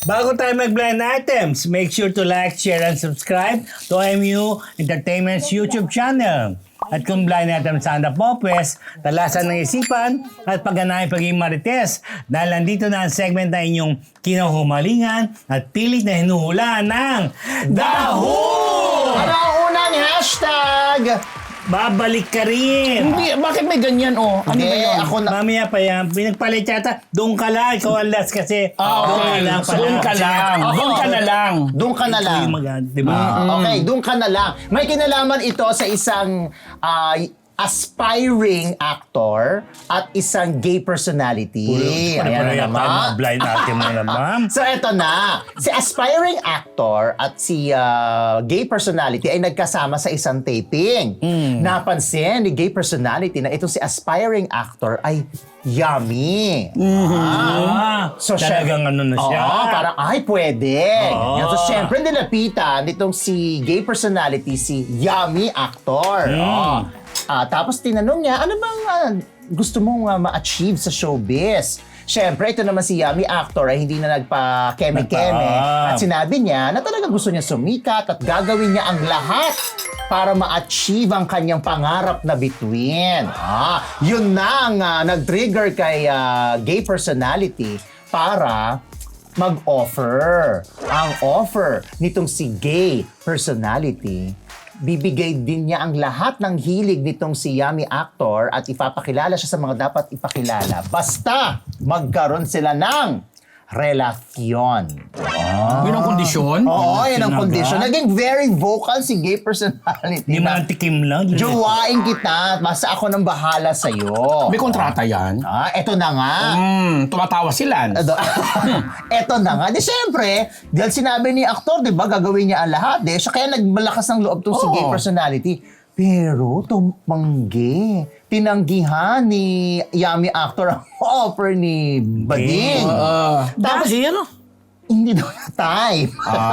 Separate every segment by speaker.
Speaker 1: Bago tayo mag-blind items, make sure to like, share, and subscribe to MU Entertainment's YouTube channel. At kung blind item sana po, pues, talasan ng isipan at pagganahin pagiging marites. Dahil nandito na ang segment na inyong kinahumalingan at pilit na hinuhulaan ng DAHU!
Speaker 2: Ano ang unang hashtag?
Speaker 1: Babalik ka rin!
Speaker 3: Hindi, bakit may ganyan Ano ba yun?
Speaker 2: Ako na...
Speaker 1: Mamaya pa yan, pinagpalit yata, doon ka lang, ikaw ang last kasi. Doon ka lang pala.
Speaker 3: Doon ka lang. Doon ka na lang.
Speaker 2: Doon ka na lang.
Speaker 1: Diba?
Speaker 2: Okay, doon ka na lang. May kinalaman ito sa isang aspiring actor at isang gay personality.
Speaker 1: Ayan na naman. Blind item na naman.
Speaker 2: So eto na, si aspiring actor at si gay personality ay nagkasama sa isang taping. Napansin ni gay personality na itong si aspiring actor ay yummy.
Speaker 1: So, talagang ano na siya.
Speaker 2: Oo, parang ay pwede. Yan. So syempre nilapitan nitong si gay personality, si yummy actor. Tapos tinanong niya, ano bang gusto mong ma-achieve sa showbiz? Siyempre, ito naman si yummy actor ay hindi na nagpa-keme-keme. At sinabi niya na talaga gusto niya sumikat at gagawin niya ang lahat para ma-achieve ang kanyang pangarap na bituin. Yun na ang nag-trigger kay gay personality para mag-offer. Ang offer nitong si gay personality, bibigay din niya ang lahat ng hilig nitong si yummy actor at ipapakilala siya sa mga dapat ipakilala. Basta magkaroon sila ng relasyon.
Speaker 3: Yun ang kondisyon?
Speaker 2: Oo, yun ang
Speaker 1: Sinaga?
Speaker 2: condition. Naging very vocal si gay personality.
Speaker 1: Hindi man tikim lang.
Speaker 2: Jowain kita, basta ako nang bahala sa'yo.
Speaker 3: May kontrata yan?
Speaker 2: Eto na nga.
Speaker 3: Tumatawa sila.
Speaker 2: Eto na nga. Di syempre, dahil sinabi ni aktor, di ba, gagawin niya ang lahat. Siya kaya nagmalakas ng loob tong si gay personality. Pero, tumanggi. Tinanggihan ni yummy actor ang offer ni Bading. Tapos, hindi daw na time.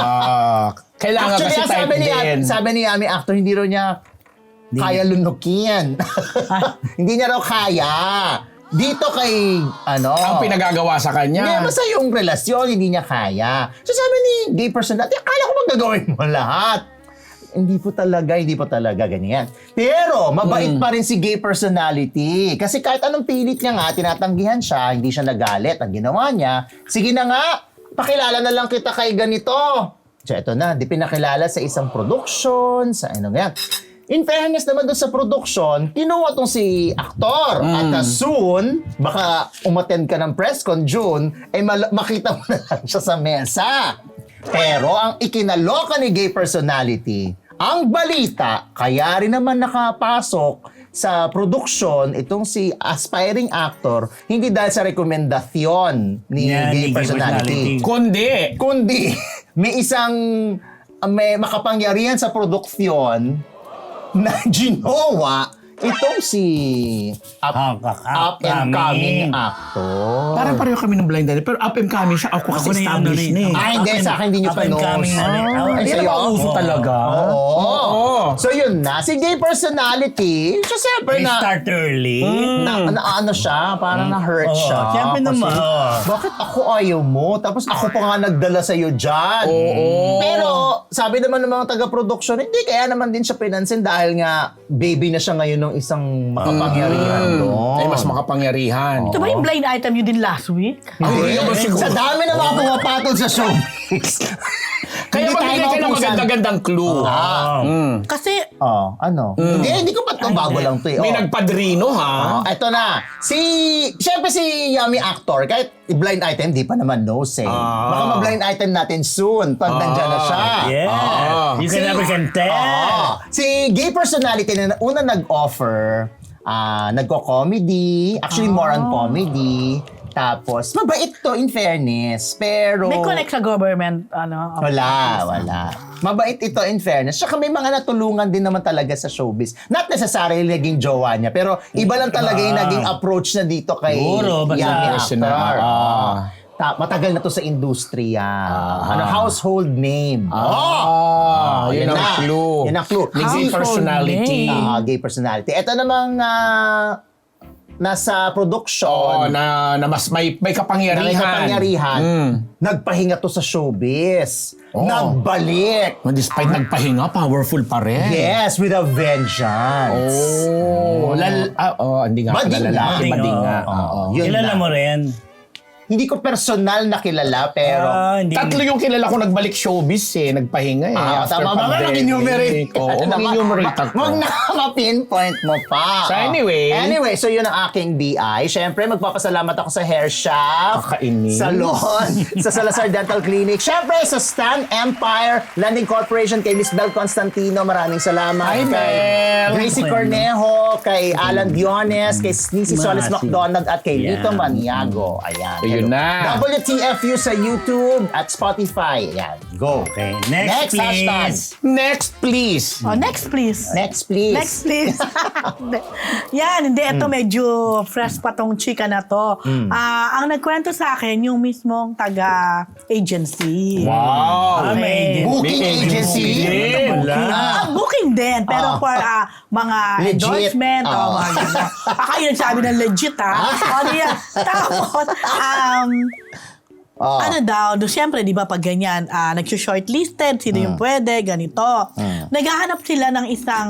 Speaker 3: Kailangan
Speaker 2: Actually,
Speaker 3: kasi type din.
Speaker 2: sabi ni yummy actor, hindi raw niya kaya lunukin. Hindi niya raw kaya. Dito kay,
Speaker 3: Ang pinagagawa sa
Speaker 2: hindi,
Speaker 3: kanya.
Speaker 2: basta yung relasyon, hindi niya kaya. So sabi ni gay person natin, akala ko magagawin mo lahat. Hindi po talaga, ganyan. Pero, mabait pa rin si gay personality. Kasi kahit anong pilit niya nga, tinatanggihan siya, hindi siya nagalit. Ang ginawa niya, sige na nga, pakilala na lang kita kay ganito. So, eto na, di pinakilala sa isang production, sa yan. In fairness naman doon sa production, kinuha tong si aktor. At soon, baka umattend ka ng press con June, ay makita mo na lang siya sa mesa. Pero ang ikinaloka ni gay personality, ang balita, kaya rin naman nakapasok sa production itong si aspiring actor, hindi dahil sa rekomendasyon ni gay personality. Kundi, may makapangyarihan sa produksyon na ginawa itong si up and coming actor.
Speaker 3: Parang pareho kami ng blind item. Pero up and coming siya. Ako kasi established na eh.
Speaker 2: Hindi, sa akin hindi nyo pa knows.
Speaker 3: Hindi na mauso talaga.
Speaker 2: Oo. So yun na, si gay personality, so siyempre
Speaker 1: They
Speaker 2: na,
Speaker 1: start early.
Speaker 2: ano siya, parang na-hurt siya.
Speaker 1: Siyempre naman.
Speaker 2: Bakit ako ayaw mo? Tapos ako pa nga nagdala sa'yo dyan. Pero, sabi naman ng mga taga-production, hindi, kaya naman din siya pinansin dahil nga, baby na siya ngayon ng isang makapangyarihan doon.
Speaker 3: Ay, mas makapangyarihan.
Speaker 4: Ito ba yung blind item you din last week?
Speaker 2: Hindi,
Speaker 3: naman siguro.
Speaker 2: sa dami na mga pumapatol sa showbiz.
Speaker 3: Kaya magbigay ka ng maganda-gandang clue.
Speaker 4: Kasi,
Speaker 2: Hindi ko pa ito. Bago lang ito eh.
Speaker 3: May nagpadrino ha.
Speaker 2: Ito na. Siyempre si yummy actor, kahit blind item, di pa naman knows eh. Baka ma-blind item natin soon pag nandyan na siya.
Speaker 1: Yeah. You can never can tell.
Speaker 2: Si gay personality na una nag-offer, nagko-comedy, actually more on comedy. Tapos, mabait to in fairness, pero...
Speaker 4: may connect sa government,
Speaker 2: Wala. Mabait ito in fairness. Tsaka may mga natulungan din naman talaga sa showbiz. Not necessarily naging jowa niya, pero iba lang talaga yung naging approach na dito kay
Speaker 1: Siguro, basta
Speaker 2: yummy
Speaker 3: personal.
Speaker 2: actor. Matagal na to sa industriya. Household name.
Speaker 3: Yun ang clue.
Speaker 2: Yun ang clue.
Speaker 3: Gay personality.
Speaker 2: Gay personality. Ito namang nasa
Speaker 3: Oo,
Speaker 2: production,
Speaker 3: na mas may kapangyarihan.
Speaker 2: na may kapangyarihan,
Speaker 3: Mm.
Speaker 2: nagpahinga to sa showbiz.
Speaker 3: Oo.
Speaker 2: Nagbalik.
Speaker 3: Despite nagpahinga, powerful pa rin.
Speaker 2: Yes, with a vengeance.
Speaker 3: Oh, hindi nga pala
Speaker 2: Bading
Speaker 3: lalaki,
Speaker 1: nga.
Speaker 3: bading nga.
Speaker 2: Oo.
Speaker 3: Oo.
Speaker 2: Yun
Speaker 1: Kilala
Speaker 2: na.
Speaker 1: mo rin.
Speaker 2: Hindi ko personal na kilala, pero...
Speaker 1: Hindi.
Speaker 3: Tatlo yung kilala ko nagbalik showbiz nagpahinga after
Speaker 2: tama ba?
Speaker 3: pandemic.
Speaker 2: Mag-enumerate.
Speaker 3: Oo, mag-enumerate ako.
Speaker 2: Huwag na ma-pinpoint mo pa.
Speaker 3: So anyway.
Speaker 2: Anyway, so yun ang aking BI. Siyempre, magpapasalamat ako sa Hair Shop,
Speaker 3: Kakainis.
Speaker 2: Salon, sa Salazar Dental Clinic. Siyempre, sa Stan Empire Landing Corporation, kay Miss Bel Constantino. Maraming salamat.
Speaker 3: Hi,
Speaker 2: Kay
Speaker 3: Bel.
Speaker 2: Gracie Cornejo, kay Alan Diones, kay Nisi Solis
Speaker 1: Masi.
Speaker 2: McDonald, at kay
Speaker 1: Yan.
Speaker 2: Lito Maniago. Ayan.
Speaker 3: So, yun na.
Speaker 2: WTFU sa YouTube at Spotify. Ayan. Go.
Speaker 1: Okay,
Speaker 2: Next
Speaker 1: next,
Speaker 2: hashtag.
Speaker 1: please.
Speaker 3: Next, please.
Speaker 4: Oh, next please.
Speaker 2: Next, please.
Speaker 4: Next please. Yan, hindi. Ito medyo fresh pa tong chika na to. Ang nagkwento sa akin, yung mismong taga-agency.
Speaker 3: Wow.
Speaker 1: May
Speaker 2: Booking agency?
Speaker 4: Booking din, pero for mga
Speaker 2: Legit.
Speaker 4: endorsement o
Speaker 2: Ah.
Speaker 4: mga gano'n. Baka yun sabi ng legit o diyan. Tapos, ano daw, siyempre, di ba, pag ganyan, nag-shortlisted, sino yung pwede, ganito. Naghahanap sila ng isang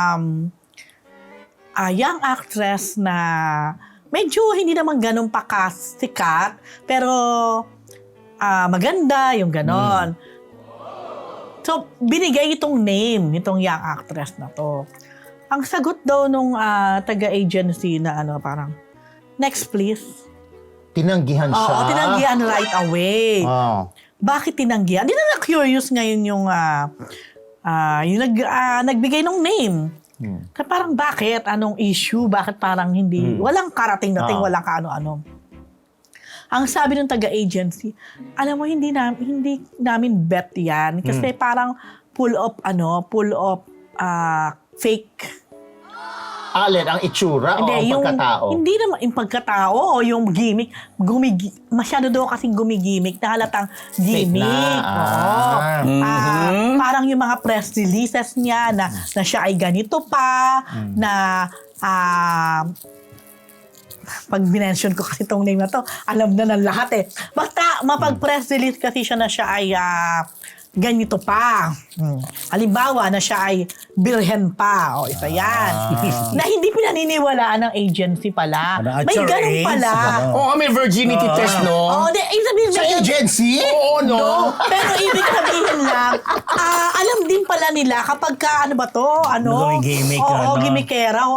Speaker 4: young actress na medyo hindi naman ganun pa kasikat, pero maganda, yung ganon. So, binigay itong name nitong young actress na to. Ang sagot daw nung taga-agency na parang, next please.
Speaker 2: Tinanggihan siya.
Speaker 4: Oo, tinanggihan right away.
Speaker 2: Oh.
Speaker 4: Bakit tinanggihan? Hindi na curious ngayon yung nagbigay ng name. Parang bakit? Anong issue? Bakit parang hindi? Walang karating-dating, walang kaano-ano. Ang sabi ng taga-agency, alam mo, hindi namin bet yan. Kasi parang full of fake.
Speaker 2: Alin, ang itsura o ang pagkatao?
Speaker 4: Hindi naman yung pagkatao o yung gimmick. Masyado daw kasing gumigimmick na halatang gimmick.
Speaker 2: na.
Speaker 4: Oo. Parang yung mga press releases niya na siya ay ganito pa, na pag binention ko kasi itong name na to, alam na ng lahat eh. Basta mapag-press release kasi siya na siya ay ganito pa. Halimbawa na siya ay birhen pa. O, isa yan. Na hindi pinaniniwalaan ng agency pala.
Speaker 1: At
Speaker 4: May
Speaker 1: your
Speaker 4: ganun
Speaker 1: age,
Speaker 4: pala.
Speaker 3: Oo, may virginity test, no?
Speaker 4: Oo, ibig sabihin,
Speaker 2: Sa agency?
Speaker 3: Oo, no?
Speaker 4: pero ibig sabihin lang, alam din pala nila kapag ka, ano ba to?
Speaker 1: Gimmick,
Speaker 4: Oo, gimmickera o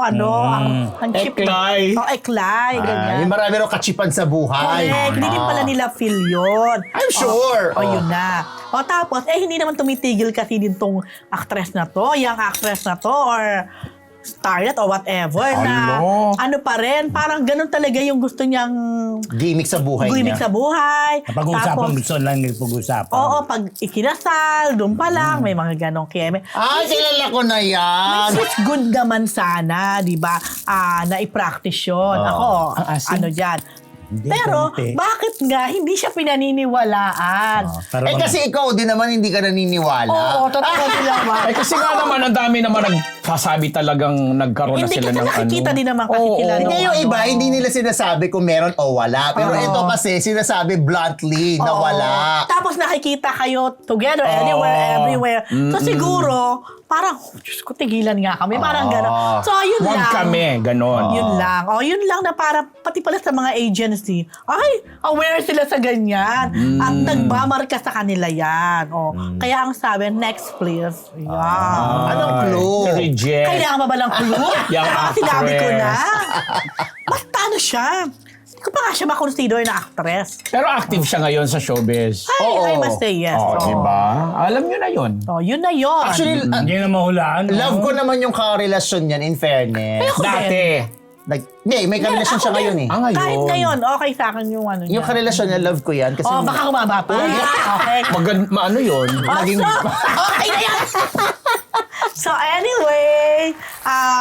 Speaker 4: ang chip.
Speaker 3: Eklay.
Speaker 4: Oo, eklay. Ganyan.
Speaker 2: Yung marami rin kachipan sa buhay.
Speaker 4: Correct. Hindi din pala nila feel yun.
Speaker 2: I'm sure.
Speaker 4: O, yun na. O, tapos, hindi naman tumitigil kasi din tong actress na to, young actress na to, or starlet or whatever, na ano pa rin, parang ganun talaga yung gusto niyang
Speaker 2: Gimmick sa buhay
Speaker 4: gimmick
Speaker 2: niya.
Speaker 4: sa buhay.
Speaker 1: Pag-uusapan, gusto lang pag-uusapan.
Speaker 4: Oo, pag ikinasal, doon pa lang, may mga ganong keme.
Speaker 2: Kilala ko na yan.
Speaker 4: Which is good naman sana, di ba, na i-practice yun. Ako, ano dyan.
Speaker 1: Hindi,
Speaker 4: Pero,
Speaker 1: konti.
Speaker 4: bakit nga hindi siya pinaniniwalaan?
Speaker 2: Kasi ikaw din naman hindi ka naniniwala.
Speaker 4: Oo, totoo sila ba?
Speaker 3: Kasi nga naman, ang dami naman nagsasabi talagang nagkaroon na
Speaker 4: Hindi
Speaker 3: sila
Speaker 4: kasi
Speaker 3: ng
Speaker 4: nakikita din naman kasi
Speaker 3: Oo.
Speaker 4: sila
Speaker 2: Hindi
Speaker 4: nung
Speaker 2: yung iba, hindi nila sinasabi kung meron o wala. Pero
Speaker 4: Oo.
Speaker 2: ito kasi sinasabi bluntly na
Speaker 4: Oo.
Speaker 2: wala.
Speaker 4: Tapos nakikita kayo together, anywhere, everywhere. So siguro, parang, Diyos ko, tigilan nga kami. Parang gano'n. So, yun
Speaker 3: Huwag
Speaker 4: lang.
Speaker 3: kami, ganon.
Speaker 4: Yun lang. Yun lang na parang, pati pala sa mga agency, ay, aware sila sa ganyan. At nagmamarka sa kanila yan. Kaya ang sabi, next please. Yan.
Speaker 2: Anong clue?
Speaker 3: To reject.
Speaker 4: Kailangan ba ng clue?
Speaker 3: Young
Speaker 4: Baka sinabi ko na.
Speaker 3: actress.
Speaker 4: Basta ano siya. Hindi ko pa nga siya makonsider na actress.
Speaker 3: Pero active siya ngayon sa showbiz.
Speaker 4: I must say yes.
Speaker 3: Oh, diba? Alam nyo na yun.
Speaker 4: Yun na yun.
Speaker 2: Actually,
Speaker 1: Hindi na mahulaan.
Speaker 2: love ko naman yung karelasyon niyan, in fairness.
Speaker 4: Ako
Speaker 3: Dati.
Speaker 2: Hindi, may karelasyon siya ngayon eh.
Speaker 3: Ngayon.
Speaker 4: Kahit ngayon, okay sa akin yung ano
Speaker 2: Yung
Speaker 4: niya.
Speaker 2: karelasyon niya, love ko yan. Kasi
Speaker 4: Baka kumaba pa. Okay.
Speaker 3: Ano yun?
Speaker 2: naging...
Speaker 4: Okay na yan. So anyway,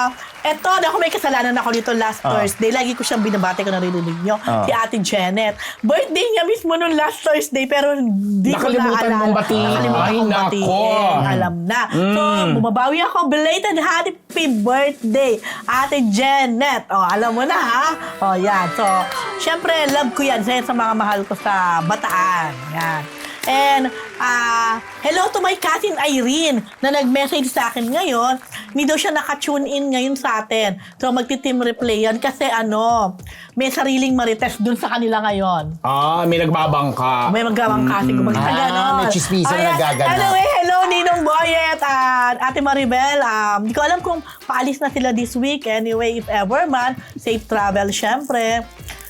Speaker 4: Eto, ako may kasalanan ako dito last Thursday. Lagi ko siyang binabati ko naririnig nyo. Si Ate Janet. Birthday niya mismo nung last Thursday, pero hindi ko
Speaker 3: Nakalimutan
Speaker 4: naalala.
Speaker 3: mong batiin.
Speaker 4: Nakalimutan
Speaker 3: Ay,
Speaker 4: kong
Speaker 3: nako.
Speaker 4: batiin. Alam na. So, bumabawi ako. Belated happy birthday, Ate Janet. Alam mo na, ha? Yan. So, syempre, love ko yan sa mga mahal ko sa Bataan. Yan. And, hello to my cousin Irene na nag-message sa akin ngayon. Hindi daw siya naka-tune in ngayon sa atin. So, magti-team replay yan kasi may sariling marites dun sa kanila ngayon.
Speaker 3: May nagbabangka.
Speaker 4: May magawang kasi kung magkita ganon.
Speaker 2: may chismisan na
Speaker 4: Ayan.
Speaker 2: nagaganap.
Speaker 4: Anyway, hello Ninong Boyet at Ate Maribel. Hindi ko alam kung paalis na sila this week. Anyway, if ever man, safe travel syempre.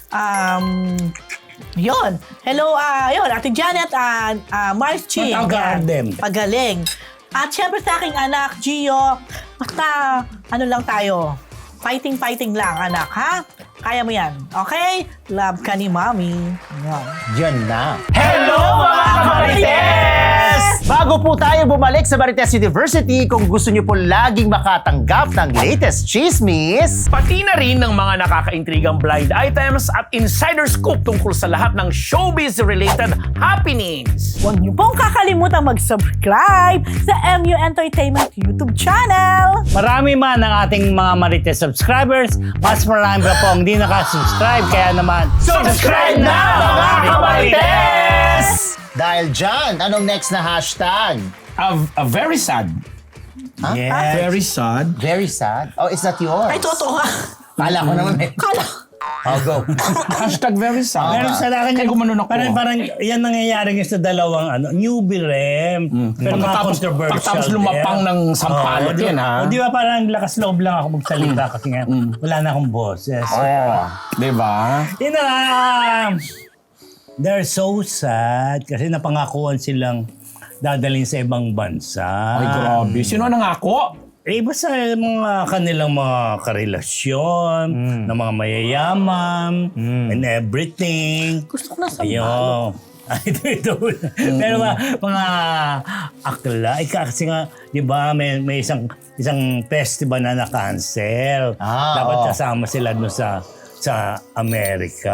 Speaker 4: Yun. Hello, yun, Ate Janet and Mars Ching.
Speaker 1: Matagal them.
Speaker 4: Pagaling. At syempre sa aking anak, Gio, basta lang tayo. Fighting lang, anak, ha? Kaya mo yan. Okay? Love ka ni Mommy. Yan.
Speaker 2: Diyan na.
Speaker 3: Hello, mga
Speaker 2: Marites! Bago po tayo bumalik sa Marites University, kung gusto niyo po laging makatanggap ng latest chismis,
Speaker 3: Pati na rin ng mga nakakaintrigang blind items at insider scoop tungkol sa lahat ng showbiz-related happenings.
Speaker 4: Huwag niyo pong kakalimutan mag-subscribe sa MU Entertainment YouTube channel.
Speaker 1: Marami man ang ating mga Marites subscribers, mas marami pa po ang hindi nakasubscribe. Kaya naman,
Speaker 3: Subscribe na, mga kamarites!
Speaker 2: dahil dyan, anong next na hashtag?
Speaker 3: A very sad.
Speaker 1: yes.
Speaker 3: Very sad.
Speaker 2: Very sad. Oh, is that yours?
Speaker 4: Ay, totoo nga.
Speaker 2: Kala ko naman eh.
Speaker 4: Kala.
Speaker 2: Oh, go.
Speaker 3: Hashtag very sad.
Speaker 1: Pero sa akin,
Speaker 3: Kaya gumanon ako.
Speaker 1: parang yan nangyayari yung sa dalawang newbie rem. Pero mga controversial.
Speaker 3: Pagkatapos lumapang ng sampalot yan, ha?
Speaker 1: O di ba parang lakas loob lang ako magsalita kasi nga wala na akong boses.
Speaker 3: Diba?
Speaker 1: Yun na nga. They're so sad kasi napangakuan silang dadalhin sa ibang bansa.
Speaker 3: Ay, grabe. Sino nangako?
Speaker 1: Basta mga kanilang mga karelasyon, na mga mayayaman, and everything.
Speaker 4: Gusto ko na sa
Speaker 1: Ayun. Ito. Pero mga akla, kasi nga, di ba, may isang festival na na-cancel. Dapat kasama sila doon sa Amerika.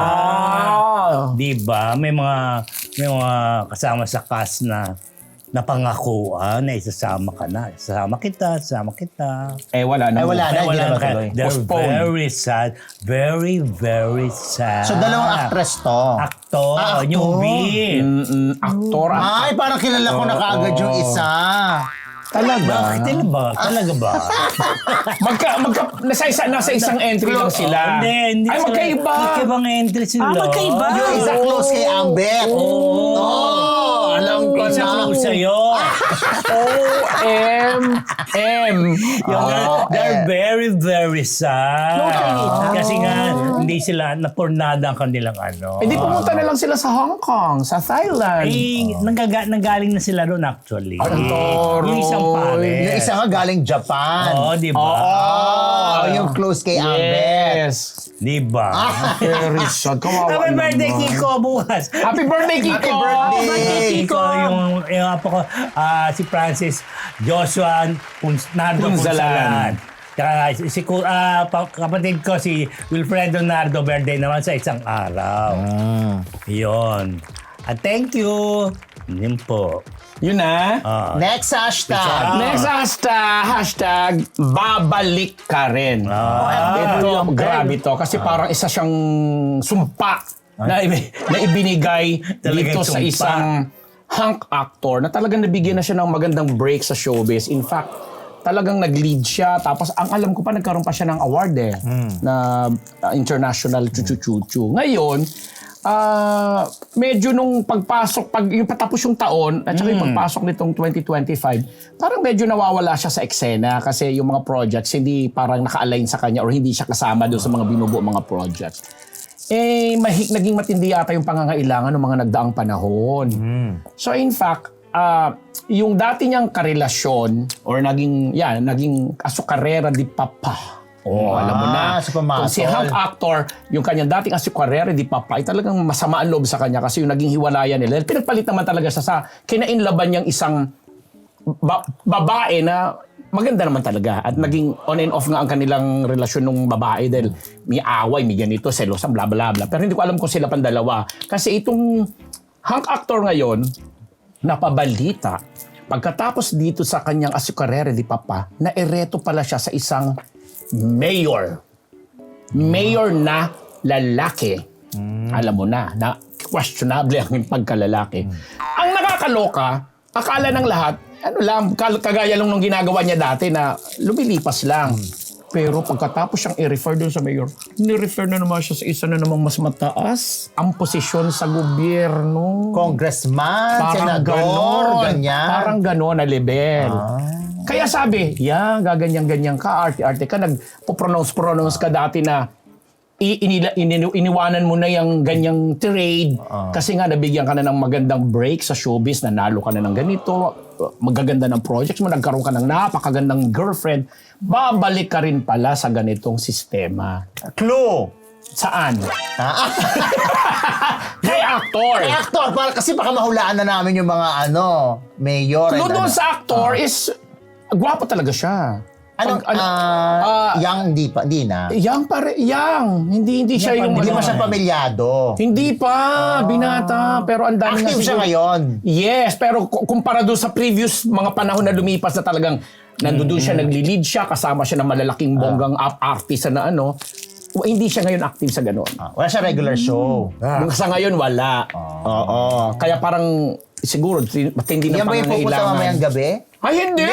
Speaker 1: Di ba? May mga kasama sa cast na napangakuan na isasama ka na. Isasama kita.
Speaker 3: Wala na.
Speaker 2: Wala na, hindi na matuloy.
Speaker 1: They're
Speaker 3: Postpone.
Speaker 1: very sad. Very, very sad.
Speaker 2: So, dalawang actress to.
Speaker 1: Actor.
Speaker 2: Actor.
Speaker 1: Newbie.
Speaker 3: Aktor.
Speaker 2: Ay, parang kilala ko na kaagad yung isa.
Speaker 3: Talaga?
Speaker 1: Talaga ba?
Speaker 3: Nasa isang entry lang sila.
Speaker 1: Hindi.
Speaker 3: Ay, magkaiba.
Speaker 1: Magkaibang entry sila.
Speaker 4: magkaiba.
Speaker 2: Yung isa close kay Ambet. Oh, alam ko
Speaker 1: Isa
Speaker 2: na.
Speaker 1: close sa'yo. They're very, very sad. Kasi nga, hindi sila napurnada ang kanilang
Speaker 3: Hindi pumunta na lang sila sa Hong Kong, sa Thailand.
Speaker 1: Nanggaling na sila doon actually.
Speaker 3: Toro.
Speaker 1: Yung isang pare.
Speaker 2: Yung isa nga galing Japan.
Speaker 1: Oo, di ba?
Speaker 2: Oh, yung close kay Ambet.
Speaker 3: Yes.
Speaker 1: Di ba?
Speaker 3: Very sad. Kawawa
Speaker 1: Happy birthday,
Speaker 3: naman.
Speaker 1: Kiko, bukas.
Speaker 3: Happy birthday, Kiko!
Speaker 2: Happy birthday!
Speaker 1: Kiko, yung apo ko, si Francis Joshua Nardo
Speaker 3: Punzalan.
Speaker 1: Punzalan. Tsaka kapatid ko, si Wilfredo Nardo, birthday naman sa isang araw. Yun. At thank you. Yun po.
Speaker 3: Yun na.
Speaker 2: Next hashtag.
Speaker 3: Next hashtag, babalik ka rin. Ito, grabe to. Kasi parang isa siyang sumpa na ibinigay dito
Speaker 1: Talagang
Speaker 3: sa
Speaker 1: sumpa.
Speaker 3: isang hunk actor na talagang nabigyan na siya ng magandang break sa showbiz. In fact, talagang nag-lead siya. Tapos, ang alam ko pa, nagkaroon pa siya ng award na international chuchu-chuchu. Ngayon, medyo nung yung patapos yung taon at saka yung pagpasok nitong 2025, parang medyo nawawala siya sa eksena kasi yung mga projects hindi parang naka-align sa kanya or hindi siya kasama doon sa mga binubuo mga projects. Naging matindi yata yung pangangailangan ng mga nagdaang panahon. So in fact, yung dati niyang karelasyon or naging asukarera di papa. Alam mo na.
Speaker 2: sa pamasol.
Speaker 3: Kung si hunk actor, yung kanyang dating asukarera di papa, ay talagang masama ang loob sa kanya kasi yung naging hiwalayan nila. Pinagpalit naman talaga siya sa kinainlaban niyang isang babae na maganda naman talaga. At naging on and off nga ang kanilang relasyon ng babae dahil may away, may ganito, selosan, bla bla bla. Pero hindi ko alam kung sila pandalawa. Kasi itong hunk actor ngayon, napabalita, pagkatapos dito sa kanyang asukarere di Papa, na ereto pala siya sa isang mayor. Mayor na lalaki. Alam mo na questionable ang pagkalalaki. Ang nakakaloka, akala ng lahat, ano lang, kagaya lang nung ginagawa niya dati na lumilipas lang. Pero pagkatapos siyang i-refer doon sa mayor, ni-refer na naman siya sa isa na namang mas mataas ang posisyon sa gobyerno.
Speaker 2: Congressman,
Speaker 3: Parang
Speaker 2: senador,
Speaker 3: ganon.
Speaker 2: ganyan.
Speaker 3: Parang ganon na level. Kaya sabi, gaganyan-ganyan ka, arte-arte ka, nagpo-pronounce ka dati na iniwanan mo na yung ganyang trade kasi nga nabigyan ka na ng magandang break sa showbiz, nanalo ka na ng ganito, magaganda ng projects mo, nagkaroon ka ng napakagandang girlfriend, babalik ka rin pala sa ganitong sistema.
Speaker 2: Clue.
Speaker 3: Saan? Kay actor.
Speaker 2: Kay actor, kasi baka mahulaan na namin yung mga mayor.
Speaker 3: Clue doon sa actor is, gwapo talaga siya.
Speaker 2: Yang hindi na.
Speaker 3: Yang pare, yang. Hindi siya yung...
Speaker 2: Hindi pa siya pamilyado.
Speaker 3: Hindi pa, binata. Pero ang dami
Speaker 2: Active siya ngayon.
Speaker 3: Yes, pero kumpara doon sa previous mga panahon na lumipas na talagang nandoon siya, nagli-lead siya, kasama siya ng malalaking bonggang artist na hindi siya ngayon active sa gano'n.
Speaker 2: Wala siya regular show.
Speaker 3: Sa ngayon, wala. Oo. Kaya parang siguro, matindi na
Speaker 2: Yan ba yung pupunta mamayang gabi?
Speaker 3: Ay, hindi!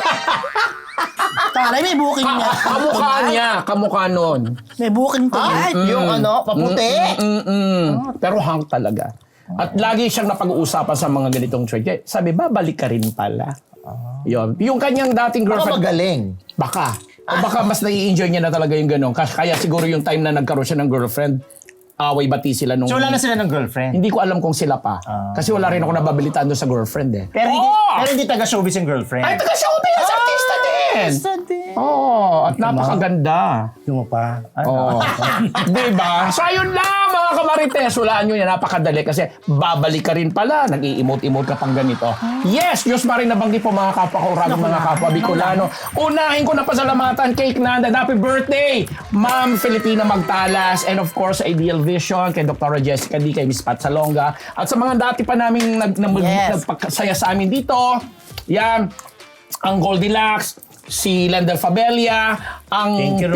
Speaker 4: Taray, may booking niya.
Speaker 3: Kamukha nun.
Speaker 4: May booking to yan.
Speaker 2: Yung paputi?
Speaker 3: Pero hang talaga. At lagi siyang napag-uusapan sa mga ganitong trade. Sabi, babalik ka rin pala. Yun. Yung kanyang dating
Speaker 2: Baka
Speaker 3: girlfriend.
Speaker 2: magaling.
Speaker 3: Baka. O baka mas nai-enjoy niya na talaga yung gano'n. Kaya siguro yung time na nagkaroon siya ng girlfriend, away-bati sila nung...
Speaker 2: So wala na sila ng girlfriend?
Speaker 3: Hindi ko alam kung sila pa. Kasi wala rin ako nababalitaan doon sa girlfriend eh.
Speaker 2: Pero hindi taga-showbiz yung girlfriend.
Speaker 3: Ay, taga-showbiz! Artista din! Oo, at napakaganda.
Speaker 1: Yung pa.
Speaker 3: Oo. Diba? So ayun lang mga kamarites, hulaan nyo yan, napakadali kasi babalik ka rin pala, nag-i-emote-emote ka pang ganito. Yes, Diyos pa rin nabanggit po mga kapwa ko, mga kapwa Bicolano. Unahin ko na pasalamatan kay Nanda, happy birthday! Ma'am Filipina Magtalas, and of course, Ideal Vision, kay Dr. Jessica D, kay Miss Pat Salonga, at sa mga dati pa naming nagpasaya sa amin dito, yan, ang Goldilocks, si Lander Fabelia, ang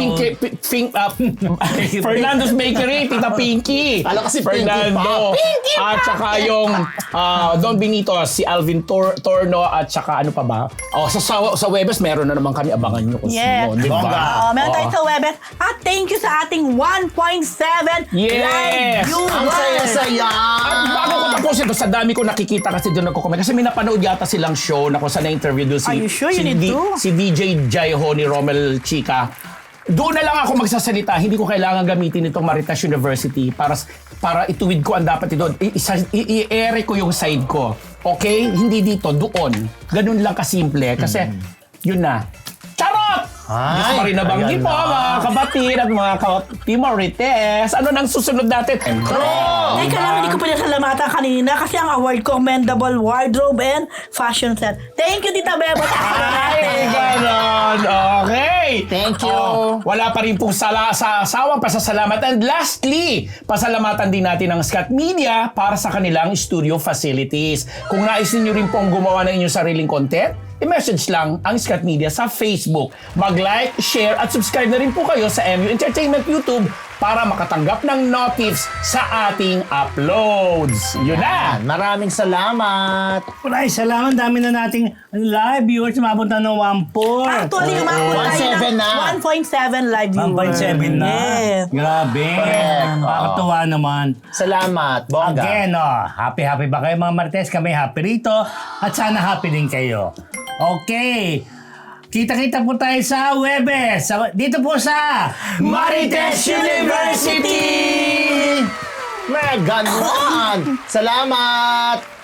Speaker 3: Fernando's Bakery, Tita Pinky.
Speaker 2: Alam kasi
Speaker 3: Fernando.
Speaker 2: Pinky
Speaker 3: At saka yung Don Benito, si Alvin Torno, at saka ano pa ba? Sa Webes, meron na naman kami, abangan nyo kung sino. Di ba?
Speaker 4: Meron tayo sa Webes. At thank you sa ating 1.7 live viewers.
Speaker 2: Ang saya-saya!
Speaker 3: At bago ko tapusin ito, sa dami ko nakikita kasi doon nagko-comment. Kasi may napanood yata silang show na kung saan na-interview doon
Speaker 4: Are you sure you need to?
Speaker 3: si DJ Jaiho ni Romel Chica. Doon na lang ako magsasalita. Hindi ko kailangan gamitin itong Maritas University para ituwid ko ang dapat ito. I-ere ko yung side ko. Okay? Hindi dito, doon. Ganun lang kasimple. Kasi, yun na. Charot! Diyos pa rin nabanggit po, mga kapatid at mga ka-Team Marites. Ano nang susunod natin?
Speaker 4: Teka lang, hindi ko pa salamatan kanina kasi ang award ko, Commendable Wardrobe and Fashion Set. Thank you, Tita Bebo.
Speaker 3: Ay, ganon. Okay.
Speaker 2: Thank you.
Speaker 3: Wala pa rin pong sawang pasasalamat. And lastly, pasalamatan din natin ang Scott Media para sa kanilang studio facilities. Kung nais niyo rin pong gumawa ng inyong sariling content, i-message lang ang Scott Media sa Facebook. Mag-like, share, at subscribe na rin po kayo sa MU Entertainment YouTube para makatanggap ng notifs sa ating uploads. Yun na!
Speaker 2: Maraming salamat!
Speaker 1: Maraming salamat. Dami na nating live viewers. Mapunta ng 1.4.
Speaker 4: Actually, umabot tayo
Speaker 2: 1.7 na.
Speaker 4: ng 1.7 live viewers.
Speaker 1: 1.7 na.
Speaker 4: Yes.
Speaker 1: Grabe. Nakakatuwa naman.
Speaker 2: Salamat, bongga.
Speaker 1: Again, happy ba kayo mga Marites? Kami happy rito. At sana happy din kayo. Okay. Kita-kita po tayo sa Webes. Dito po sa
Speaker 3: Marites University!
Speaker 2: May ganon! Salamat!